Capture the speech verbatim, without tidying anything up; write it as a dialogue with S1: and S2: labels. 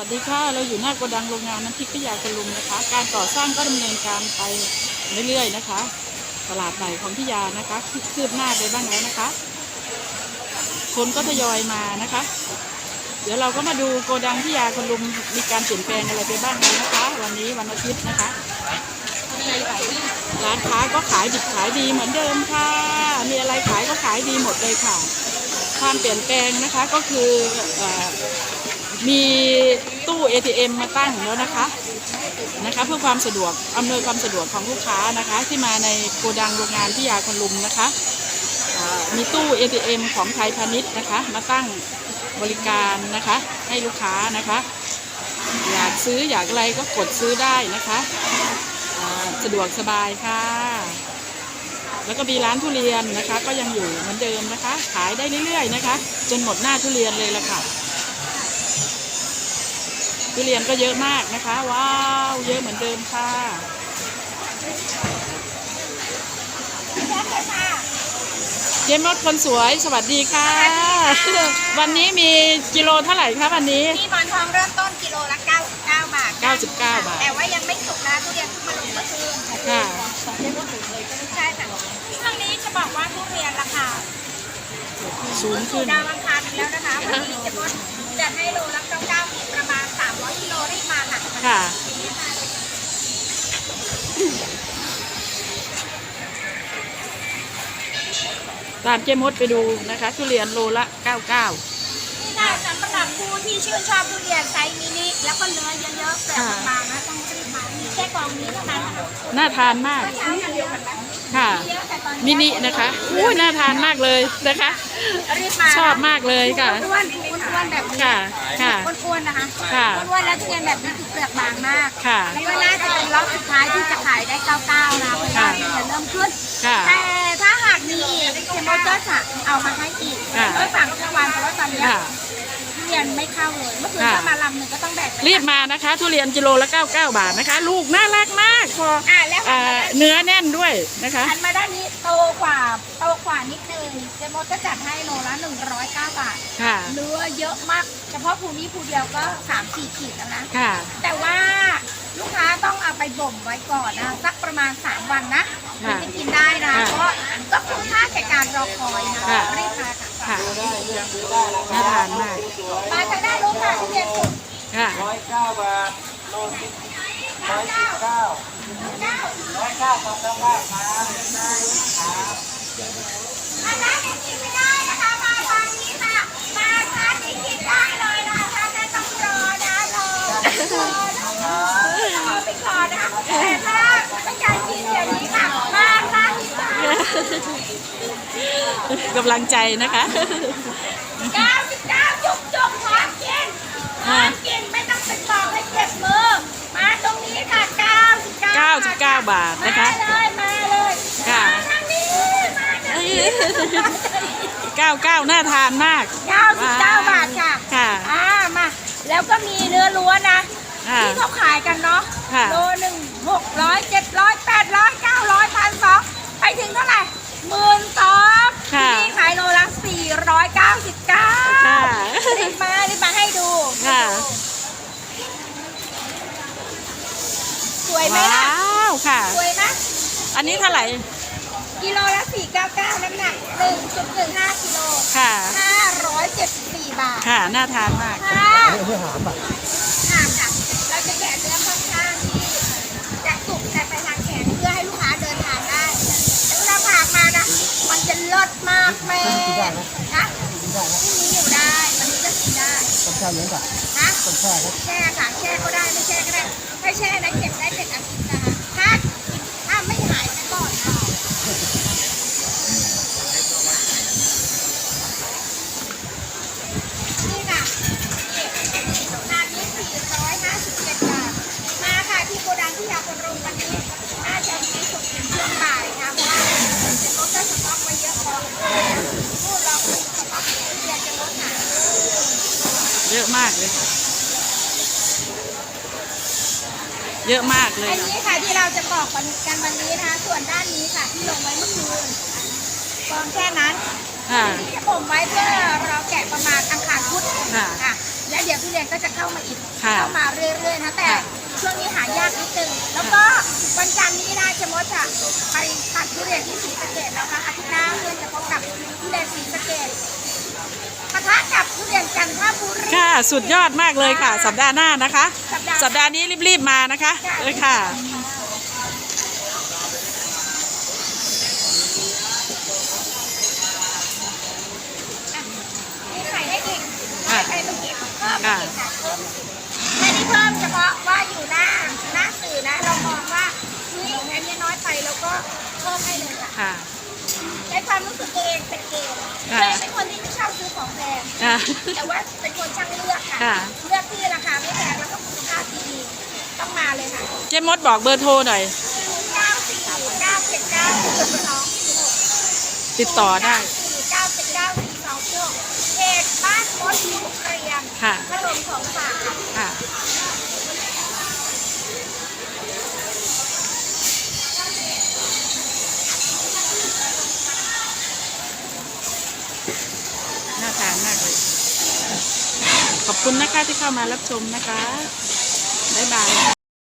S1: วัสดีค่ะเราอยู่หน้าโกดังโรงงานน้ำพริกพิยาคุณลุงนะคะการก่อสร้างก็ดำเนินการไปเรื่อยๆนะคะตลาดใหม่ของพิยานะคะคืบหน้าไปบ้างแล้วนะคะคนก็ทยอยมานะคะเดี๋ยวเราก็มาดูโกดังพิยาคุณลุงมีการเปลี่ยนแปลงอะไรไปบ้างแล้วนะคะวันนี้วันอาทิตย์นะคะร้านค้าก็ขายดิบขายดีเหมือนเดิมค่ะมีอะไรขายก็ขายดีหมดเลยค่ะความเปลี่ยนแปลงนะคะก็คือมีตู้ เอ ที เอ็ม มาตั้งแล้วนะคะนะคะเพื่อความสะดวกอำนวยความสะดวกของลูกค้านะคะที่มาในโกดังโรงงานพิยาคุณลุงนะคะมีตู้ เอ ที เอ็ม ของไทยพาณิชย์นะคะมาตั้งบริการนะคะให้ลูกค้านะคะอยากซื้ออยากอะไรก็กดซื้อได้นะคะสะดวกสบายค่ะแล้วก็มีร้านทุเรียนนะคะก็ยังอยู่เหมือนเดิมนะคะขายได้เรื่อยๆนะคะจนหมดหน้าทุเรียนเลยละค่ะทุเรียนก็เยอะมากนะคะว้าวเยอะเหมือนเดิมค่ะเจมส์คนสวยสวัสดีค่ะวันนี้มีกิโลเท่าไหร่คะวันนี้
S2: ที่หมอนทองเริ่มต้นกิโลละเก้าสิบเก้าบาท
S1: เก้าสิบเก้าบาท
S2: แต่ว่ายังไม่สุกนะทุเรียนเพิ่งมาลงเมื่อคืน
S1: ค่ะ
S2: ใช่ค่ะช่วงนี้จะบอกว่าทุเรียนราคา
S1: สูงขึ้น
S2: ดาวอังคารแล้วนะคะวันนี้จะลดจะให้โลละเก้าสิบเก้ามีประมาณสามร้อยกิโลได้มาค่ะ
S1: ค่ะตามเจมส์ไปดูนะคะทุเรียนโลละเก้าสิบเก้า
S2: นี่ค่ะสำหรับผู้ที่ชื่นชอบทุเรียนไซส์มินิแล้วก็เนื้อเยอะๆแบบบางๆนะต้องรีบมามีแค่กล่องนี้เท่านั้น
S1: น่าทานมากค่ะมินินะคะอุ้ยน่าทานมากเลยนะคะชอบมากเลยค่ะ
S2: อ้วนๆอ้วนๆแบบนี้
S1: ค่ะค่ะ
S2: อ้วนๆนะคะ
S1: ค่ะ
S2: อ้วนๆแล้วทุเรียนแบบนี้ถูกเปลือกบางมาก
S1: ค่ะ
S2: แล้วก็น่าจะเป็นรอบสุดท้ายที่จะขายได้เก้าสิบเก้านะเพราะว่าทุเรียนเริ่มขึ้นแต่ถ้าหากมีอีกเทมโมเตอร์จะเอามาให้อีกก็สั่งทุกวันเพราะว่าตอนนี้ทุเรียนไม่เข้าเลยเมื่อคืนก็มาลำหนึ่งก็ต้องแบก
S1: รีบมานะคะทุเรียนกิโลละเก้าสิบเก้าบาทนะคะลูกน่ารักมากพอเนื้อแน่นด้วยนะคะ
S2: หันมาด้านนี้โตกว่าโตกว่านิดนึงเจมส์ก็จัดให้โลละหนึ่งร้อยเก้าบาทเนื้อเยอะมากเฉพาะภูนี้ภูเดียวก็สามสี่ขีดแล้วนะแต่ว่าลูกค้าต้องเอาไปบ่มไว้ก่อนนะสักประมาณสามวันนะถึงจะกินได้นะเพราะก็คุ้มค่าแก่การรอคอยนะรีบมาค่ะ
S1: น่าทานมาก
S2: มาทางด้านลูกค้าทุเรียนสุด
S1: ค่ะ
S3: ร้อยเก้าบาทโลสิบร้อยสิบเก้าร้อยเก้าทำแล้วว่ามาครับ
S2: มาร้านนี้กินไม่ได้นะคะมาทางนี้ค่ะมาร้านนี้กินได้เลยนะคะถ้าต้องรอนะรอรอรอไปก่อนนะคะแต่ถ้าต้องการกินเดี๋ยวนี้ค่ะมาร้านนี้ค่ะ
S1: กำลังใจนะคะ
S2: เก้าสิบเก้าจุกจุกพร้อมกินพร้อมกินไม่ต้องไปบอกให้เจ็บมือมาตรงนี้ค่ะเก้าสิบเก้า
S1: เก้าสิบเก้าบาทนะคะ
S2: มาเลยมาเลย
S1: ค่ะ
S2: ทางนี้มาทางนี้
S1: เก้าเก้าน่าทานมาก
S2: เก้าสิบเก้าบาทค่ะ
S1: ค่ะ
S2: อ่ามาแล้วก็มีเนื้อล้วนนะที่เขาขายกันเนาะโลหนึ่งหกร้อยเจ็ดร้อยแปดร้อยเก้าร้อยพันสองไปถึงเท่าไหร่หมื่นสองที่ขายโลละสี่ร้อยเก้าสิบเก้ารีบมารีบมาให้ดู
S1: ค่ะ
S2: สวยไหมล่ะ
S1: ว้าวค่ะ
S2: สวยไหม
S1: อันนี้เท่าไหร่
S2: กิโลละสี่เก้าเก้าน้ำหนักหนึ่งจุดหนึ่งห้ากิโล
S1: ค่ะ
S2: ห้าร้อยเจ็ดสิบสี่บาท
S1: ค่ะน่าทานมาก
S2: ค่ะหามอ่ะหามค่ะเราจะแกะเนื้อค่อนข้างที่จะสุกแต่ไปทางแขนเพื่อให้ลูกค้าเดินทางได้แล้วเราผ่ามานะมันจะเลิศมากแม่นะที่นี้อยู่ได้มันนี้ก็กินได้
S3: ต้องแช่เลี้ยงก่อน
S2: นะ
S3: ต้องแช่ครับ
S2: แช่ค่ะแช่ก็ได้ไม่แช่ก็ได้ถ้าแช่นะเก็บได้เป็นอาทิตย์นะคะถ้าถ้าไม่หายนะก่อนนะนี่ค่ะนานี้สี่ร้อยห้าสิบเจ็ดบาทมาค่ะที่โกดังที่ยาคนรุมวันนี้น่าจะมีสุดถึงช่วงบ่ายนะเพราะว่าจะลดได้สต็อกไว้เยอะพอพูดเราคุยสต็อกอยากจะลดหนา
S1: เยอะมากเลยเยอะมากเลย
S2: อันนี้ค่ะที่เราจะบอกกันวันนี้นะคะส่วนด้านนี้ค่ะที่ลงไว้เมื่อคืนกองแค่นั้น
S1: ค่ะ
S2: ที่จะบ่มไว้เพื่อเราแกะประมาณอังคารพุธ
S1: ค่ะ
S2: ค่ะแล้วเดี๋ยวทุเรียนก็จะเข้ามาอีก
S1: ค่ะ
S2: เข้ามาเรื่อยๆนะแต่
S1: ค่ะ
S2: ช่วงนี้หายากนิดนึงแล้วก็วันจันทร์นี้นะเจมส์จะไปตัดทุเรียนที่ศรีสะเกษนะคะอาทิตย์หน้าเพื่อนจะพบกับทุเรียนศรีสะเกษปะทะกับทุเรียนจันทบุรี
S1: ค่ะสุดยอดมากเลยค่ะ สัปดาห์หน้านะคะ
S2: สัปดาห์
S1: สัปดาห์นี้รีบๆมานะคะเลยค่ะ
S2: มีไข่ให้อีก
S1: ค่ะ
S2: ไข่เมื่อกี้เพิ่ม
S1: ค่ะ
S2: อีกค่ะเพิ่มแค่นี้เพิ่มเฉพาะว่าอยู่หน้าหน้าสื่อนะ เรามองว่าเฮ้ยอันนี้น้อยไปแล้วก็เพิ่มให้เลยค่ะ
S1: ค่ะ
S2: ในความรู้สึกตัวเองเป็นเกณฑ์
S1: ค่ะ
S2: ตัวเองเป็นคนที่ไม่ชอบซื้อของแพง
S1: ค่ะ
S2: แต่ว่าเป็นคนช่างเลือกค่ะ
S1: ค่ะ
S2: เลือกที่ราคาไม่แพงแล้วก็คุณภาพดีต้องมาเลยค่ะ
S1: เจ๊มดบอกเบอร์โทรหน่อย
S2: เก้าสี่เก้าเจ็ดเก้าสองสี่หก
S1: ติดต่อได้
S2: สี่เก้าเจ็ดเก้าสี่สองหกเพจบ้านมดลูกเรียน
S1: ค่ะ
S2: ขนมของฝากค่ะ
S1: ค่ะน่าทานมากเลย ขอบคุณนะคะที่เข้ามารับชมนะคะ บ๊ายบายค่ะ